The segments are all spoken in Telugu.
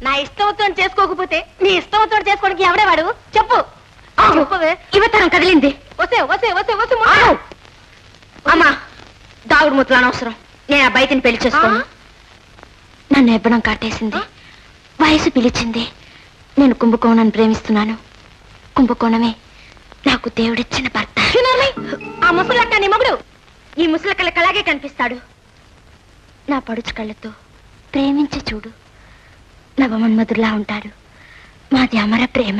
నా ఇష్టంతో చేసుకోకపోతే నీ ఇష్టంతో చేసుకోవడానికి ఎవడేవాడు చెప్పు. ఇవతరం కదిలింది. వసే వసే వసే వసే అమ్మా దాగుడు ముత్తలు అనవసరం. నేను ఆ బయటని పెళ్లి చేసుకోను. నన్ను ఎబ్బడం కాటేసింది, వయసు పిలిచింది. నేను కుంభకోణాన్ని ప్రేమిస్తున్నాను. కుంభకోణమే నాకు దేవుడిచ్చిన భర్త. ఆ ముసలక్క నీ మగుడు ఈ ముసలక్కలకి అలాగే కనిపిస్తాడు. నా పడుచు కళ్ళతో ప్రేమించి చూడు, నవమన్మధులా ఉంటాడు. మాది అమర ప్రేమ.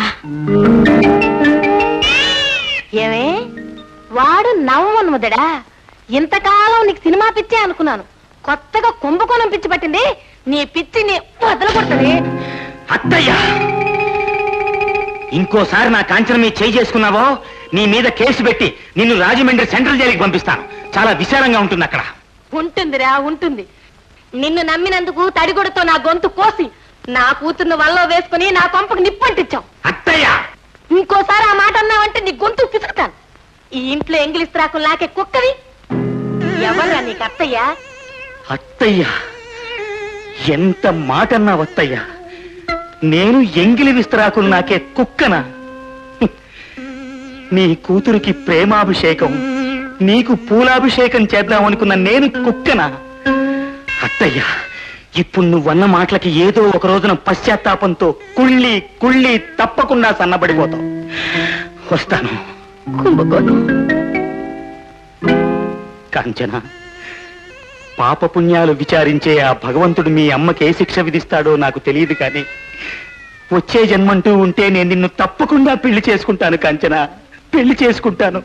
ఏమే వాడు నవమన్మధుడా? ఇంతకాలం నీకు సినిమా పిచ్చే అనుకున్నాను, కొత్తగా కుంభకోణం పిచ్చి పట్టింది. నీ పిచ్చిని వదల కొడుతుంది. అత్తయ్య, ఇంకోసారి నా కాంచన మీద చేయి చేసుకున్నావో నీ మీద కేసు పెట్టి నిన్ను రాజమండ్రి సెంట్రల్ జైలుకి పంపిస్తాను. చాలా విశాలంగా ఉంటుంది అక్కడ. ఉంటుందిరా ఉంటుంది. నిన్ను నమ్మినందుకు తడిగొడతో నా గొంతు కోసి నా కూతుర్ను వల్ల వేసుకుని నా కొంపకు నిప్పంటిచ్చావు. అత్తయ్య, ఇంకోసారి ఆ మాట అన్నావంటే నీ గొంతు పిసుకుతాను. ఈ ఇంట్లో ఎంగిలిస్త్రాకులు నాకే కుక్కవి. ఎవరా నీకు అత్తయ్య? అత్తయ్య, ఎంత మాట అన్నావు అత్తయ్య. నేను ఎంగిలి విస్తరాకులు నాకే కుక్కనా? నీ కూతురికి ప్రేమాభిషేకం, నీకు పూలాభిషేకం చేద్దామనుకున్న నేను కుక్కనా? అత్తయ్య, ఇప్పుడు నువ్వన్న మాటలకి ఏదో ఒక రోజున పశ్చాత్తాపంతో కుళ్ళి కుళ్ళి తప్పకుండా సన్నబడిపోతావు. వస్తాను. కాంచన, పాపపుణ్యాలు విచారించే ఆ భగవంతుడు మీ అమ్మకి ఏ శిక్ష విధిస్తాడో నాకు తెలియదు, కానీ వచ్చే జన్మంటూ ఉంటే నేను నిన్ను తప్పకుండా పెళ్లి చేసుకుంటాను కాంచన, పెళ్లి చేసుకుంటాను.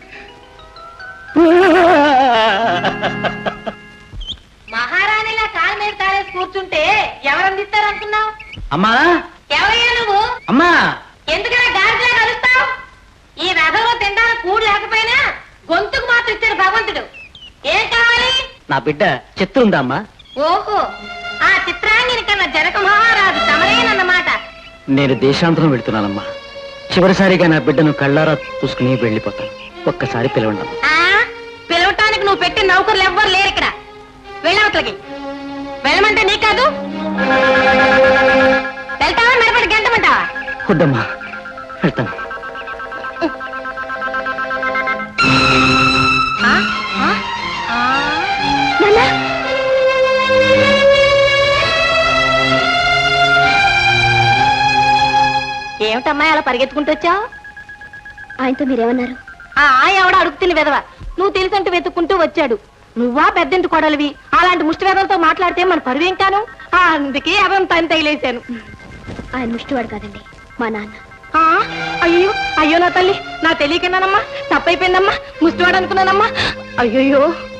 మహారాణిలా కాలు మీద కాలేసి కూర్చుంటే ఎవరందిస్తారు అనుకున్నావు? అమ్మా, ఎవరయ్యా నువ్వు? అమ్మా, ఎందుకలా గాడిలా కలుస్తావు? ఈ రథంలో తినడానికి కూడు లేకపోయినా గొంతుకు మాత్రం ఇచ్చాడు భగవంతుడు. ఏం కావాలి? నా బిడ్డ చిత్రం ఉందా అమ్మా? ఓహో, ఆ చిత్రాంగిని కన్నా జనక మహారాజు తమరేనన్నమాట. నేను దేశాంతరం వెళ్తున్నానమ్మా. చివరిసారిగా నా బిడ్డను కళ్ళారా చూసుకుని వెళ్ళిపోతాను. ఒక్కసారి పిలవండి. పిలవటానికి నువ్వు పెట్టిన నౌకర్లు ఎవ్వరు లేరు ఇక్కడ. వెళ్ళవట్లకి వెళ్ళమంటే నీ కాదు. వెళ్తావా మెరపడి గంటమంటావా? వద్దమ్మా, వెళ్తాను. ఏమిటమ్మా అలా పరిగెత్తుకుంటూ వచ్చావు? ఆయనతో మీరేమన్నారు? ఎవడ అడుగుతున్న విధవ, నువ్వు తెలిసంటూ వెతుక్కుంటూ వచ్చాడు. నువ్వా పెద్దంటి కొడలివి, అలాంటి ముష్టి వేదలతో మాట్లాడితే మన పరువేం కాను. అందుకే అవం తని తగిలేశాను. ఆయన ముష్టివాడు కాదండి, మా నాన్న. అయ్యో అయ్యో నా తల్లి, నా తెలియకన్నానమ్మా, తప్పైపోయిందమ్మా, ముష్టివాడు అనుకున్నానమ్మా. అయ్యో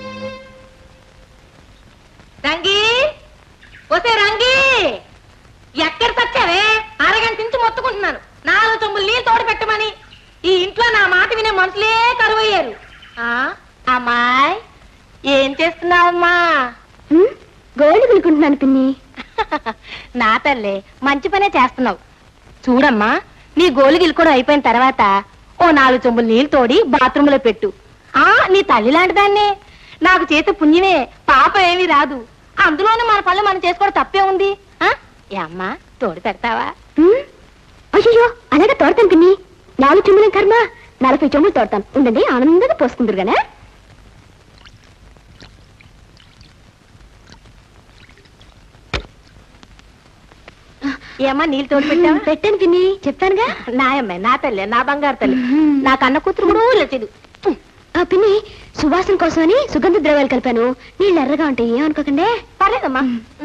రంగి, వసే రంగి, ఎక్కడ చచ్చావే? అరగంట నుంచి మొత్తుకుంటున్నాను 4 చెంబులు నీళ్ళు తోడు పెట్టమని. ఈ ఇంట్లో నా మాట వినే మనుషులే కరువయ్యారు. అమ్మాయి, ఏం చేస్తున్నావమ్మా? గోళ్ళు పిలుకుంటున్నాను పిన్ని. నా తల్లే, మంచి పనే చేస్తున్నావు. చూడమ్మా, నీ గోలు గిలుకోవడం అయిపోయిన తర్వాత ఓ 4 చెంబులు నీళ్ళు తోడి బాత్రూంలో పెట్టు. నీ తల్లి లాంటి దాన్నే, నాకు చేత పుణ్యమే, పాపం ఏమీ రాదు. అందులోనూ మన పనులు మనం చేసుకోవడం తప్పే ఉంది. అమ్మా, తోడు పెడతావా? అయ్యో, అలాగే తోడతాను పిన్ని. 4 చెంబుల కర్మ, 40 చెంబులు తోడతాను. ఉండండి, ఆనందంగా పోసుకుందరు గానే. ఏమ్మా, నీళ్ళు తోడు పెట్టావా? పెట్టాను పిన్ని, చెప్తానుగా. నాయమ్మాయి, నా తల్లి, నా బంగారు తల్లి, నా కన్న కూతురు కూడా లేదు. పిన్ని, సువాసన కోసమని సుగంధ ద్రవ్యాలు కలిపాను. నీళ్ళు ఎర్రగా ఉంటాయి, ఏమనుకోకండి. పర్లేదమ్మా.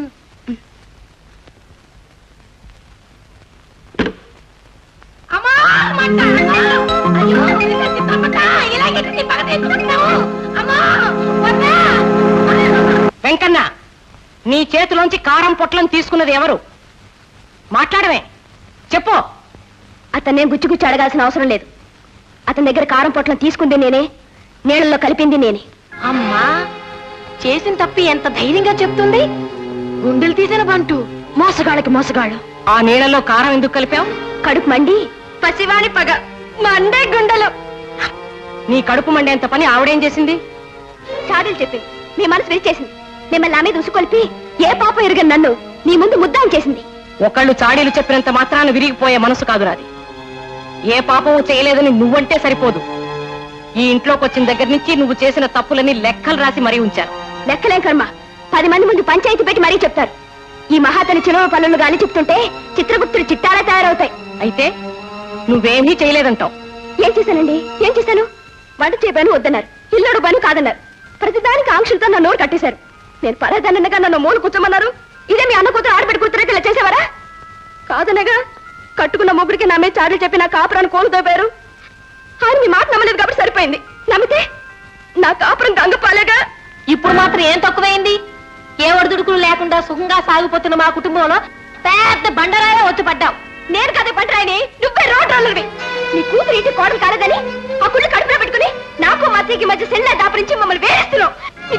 వెంకన్న, నీ చేతిలోంచి కారం పొట్లను తీసుకున్నది ఎవరు? మాట్లాడమే, చెప్పు. అతన్నేం గుచ్చి అడగాల్సిన అవసరం లేదు. అతని దగ్గర కారం పొట్లను తీసుకుంది నేనే, నీళ్ళల్లో కలిపింది నేనే. అమ్మా, చేసిన తప్పి ఎంత ధైర్యంగా చెప్తుంది. గుండెలు తీసిన బంటు, మోసగాళ్ళకి మోసగాళ్ళు. ఆ నీళ్ళలో కారం ఎందుకు కలిపావు? కడుపు మండి, పసివాణి పగ మండే గుండెలు. నీ కడుపు మండేంత పని ఆవిడేం చేసింది? చాడీలు చెప్పింది, మీ మనసు విరిచేసింది. మిమ్మల్ని నా మీద ఉసుకొల్పి ఏ పాపం ఎరుగని నన్ను నీ ముందు ముద్దాం చేసింది. ఒకళ్ళు చాడీలు చెప్పినంత మాత్రాన విరిగిపోయే మనసు కాదు నాది. ఏ పాపము చేయలేదని నువ్వంటే సరిపోదు. ఈ ఇంట్లోకి వచ్చిన దగ్గర నుంచి నువ్వు చేసిన తప్పులని లెక్కలు రాసి మరీ ఉంచాను. లెక్కలేం కర్మ, 10 మంది ముందు పంచాయతీ పెట్టి మరీ చెప్తారు. ఈ మహాతని చిలువ పనులు గాని చెప్తుంటే చిత్రగుప్తులు చిట్టాలా తయారవుతాయి. అయితే నువ్వేమీ చేయలేదంటావు. ఏం చేశానండి? ఏం చేశాను? వంట చేయబను వద్దన్నారు, ఇల్లుడు పని కాదన్నారు. ప్రతిదానికి ఆంక్షలతో నా నోరు కట్టేశారు. నేను పరాదానగా నన్ను మూలు కూర్చోమన్నారు. ఇదే మీ అన్న కూతురు ఆడబెట్టి కూతురైతే ఇలా చేసేవారా? కాదనగా కట్టుకున్న మొగుడికి నా మీద చాడీలు చెప్పి నా కాపురాన్ని కోలుతోపారు. ఆయన మీ మాట నమ్మలేదు కాబట్టి సరిపోయింది. నమ్మితే నా కాపురం గంగపాలేగా. ఇప్పుడు మాత్రం ఏం తక్కువైంది? ఏ ఒడిదుడుకులు లేకుండా సుఖంగా సాగిపోతున్న మా కుటుంబంలో పెద్ద బండరాయే వచ్చి పడ్డావు. నేను కదే పంటరాయని, నువ్వే రోడ్ రోలర్వి. నీ కూతురు ఇంటి కోడలు కాలేదని ఆ కుళ్ళు కడుపులో పెట్టుకుని నాకు మా అత్తయ్యకి మధ్య సెల్లా దాపరించి మమ్మల్ని వేరేస్తున్నావు.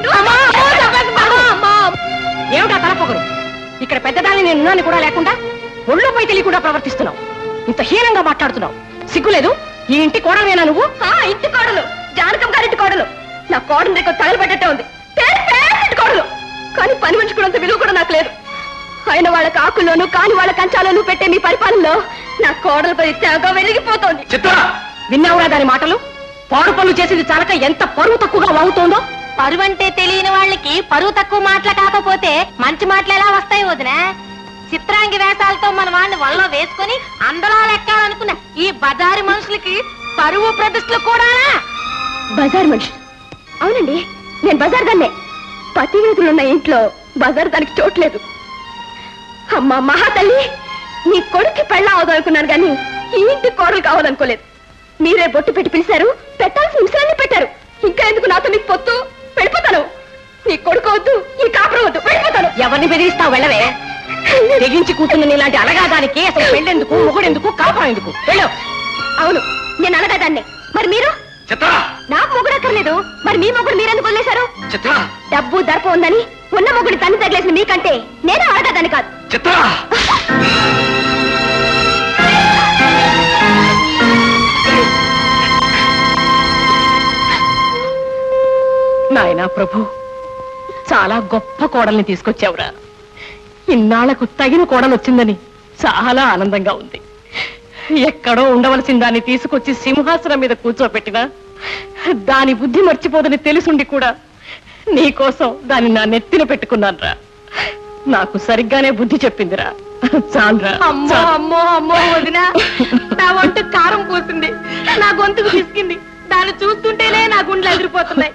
ఏమిటా తలపొగరు? ఇక్కడ పెద్దదాన్ని నేను ఉన్నాను కూడా లేకుండా ఒళ్ళోపై తెలియకుండా ప్రవర్తిస్తున్నావు. ఇంత హీనంగా మాట్లాడుతున్నావు. సిగ్గులేదు? ఈ ఇంటి కోడలేనా నువ్వు? ఇంటి కోడలు, జానకం గారింటి కోడలు. నా కోడలు రేపు తగలబడ్డట్టే ఉంది. పేరు కోడలు, కానీ పని మనిషి కూడా అంత విలువ కూడా నాకు లేదు. ఆయన వాళ్ళ కాకుల్లోనూ కాని వాళ్ళ కంచాలోనూ పెట్టే మీ పరిపాలనలో నా కోడలు పది త్యాగ వెలిగిపోతోంది. విన్నావురా దాని మాటలు? పాడు పనులు చేసింది చాలక ఎంత పరువు తక్కువగా వాగుతోందో. పరువు అంటే తెలియని వాళ్ళకి పరువు తక్కువ మాటలు కాకపోతే మంచి మాటలు ఎలా వస్తాయి వదినా? చిత్రాంగి వేషాలతో మన వాడిని వల్ల వేసుకుని అందలా లెక్కాలనుకున్న ఈ బజారు మనుషులకి పరువు ప్రతిష్టలు కూడా. బజార్ మనిషి? అవునండి, నేను బజార్ దాన్నే. పతివ్రతులున్న ఇంట్లో బజార్ దానికి చోట్లేదు. అమ్మా మహాతల్లి, నీ కొడుక్కి పెళ్ళం అవదనుకున్నాను కానీ ఈ ఇంటి కోడలు కావాలనుకోలేదు. మీరే బొట్టు పెట్టి పిలిచారు, పెట్టాల్సిన నిమిషాన్ని పెట్టారు. ఇంకా ఎందుకు నాతో నీకు పొత్తు? వెళ్ళిపోతాను. నీ కొడుకు వద్దు, ఈ కాపురం వద్దు, వెళ్ళిపోతాను. ఎవరిని బెదిరిస్తావు? వెళ్ళవే. తెగించి కూతున్న నీలాంటి అలగాదానికి అసలు పెళ్ళెందుకు, మొగుడెందుకు, కాపురం ఎందుకు? వెళ్ళు. అవును, నేను అనగాదాన్నే. మరి మీరు? నాకు మొగుడు అక్కర్లేదు, మరి మీ మొగుడు మీరెందుకు వదిలేశారు? డబ్బు దర్ప ఉందని ఉన్న మొగుడి తన్ని తగిలేసిన మీకంటే నేను ఆడదాన్ని కాదు. నాయనా ప్రభు, చాలా గొప్ప కోడల్ని తీసుకొచ్చావురా. ఇన్నాళ్లకు తగిన కోడలు వచ్చిందని చాలా ఆనందంగా ఉంది. ఎక్కడో ఉండవలసిన దాన్ని తీసుకొచ్చి సింహాసనం మీద కూర్చోపెట్టినా దాని బుద్ధి మర్చిపోదని తెలుసుండి కూడా నీకోసం దాన్ని నా నెత్తిన పెట్టుకున్నానురా. నాకు సరిగ్గానే బుద్ధి చెప్పిందిరా. చాలురా. అమ్మో అమ్మో అమ్మో వదినా, నా వంట కారం పోసింది, నా గొంతుకు పిసికింది. దాన్ని చూస్తుంటేనే నా గుండెలు ఎదిరిపోతున్నాయి.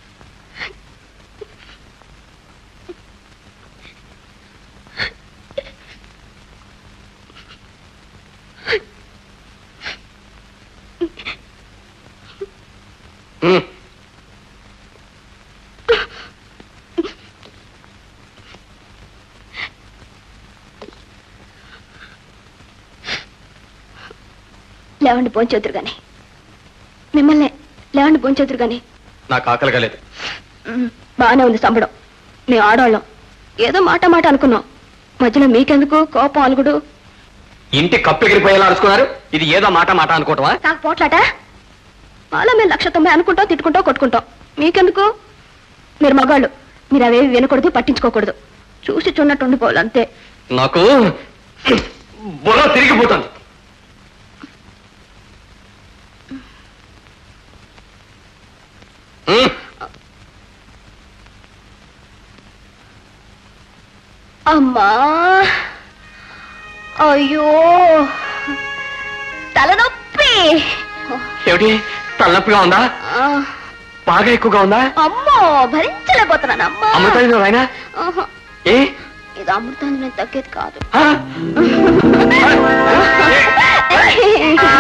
లేవండి పోంచోతురు గాని, మిమ్మల్ని లేవండి పోంచోతురు గాని. నాకు ఆకలిగా లేదు. బాగానే ఉంది సంబడం. మేము ఆడవాళ్ళం ఏదో మాట మాట అనుకున్నాం. మధ్యలో మీకెందుకు కోపం అలుగుడు? ఇంటి కప్పు ఎగిరిపోయేలా అరుచుకున్నారు. ఇది ఏదో మాట మాట అనుకోవటమా? నాకు పోట్లాట. మాలో మేము 190 అనుకుంటాం, తిట్టుకుంటాం, కొట్టుకుంటాం. మీకెందుకు? మీరు మగాళ్ళు, మీరు అవేవి వినకూడదు, పట్టించుకోకూడదు. చూసి చూడనట్టు ఉండిపోవాలి అంతే. నాకు బుర్ర తిరిగిపోతుంది. అమ్మా, అయ్యో తలనొప్పి. ఏమిటి, తలనొప్పిగా ఉందా? బాగా ఎక్కువగా ఉందా? అమ్మో భరించలేకపోతున్నాను. అమ్మా అమృతాంజనం ఆయన ఏ ఇది అమృతాంజనం తగ్గేది కాదు.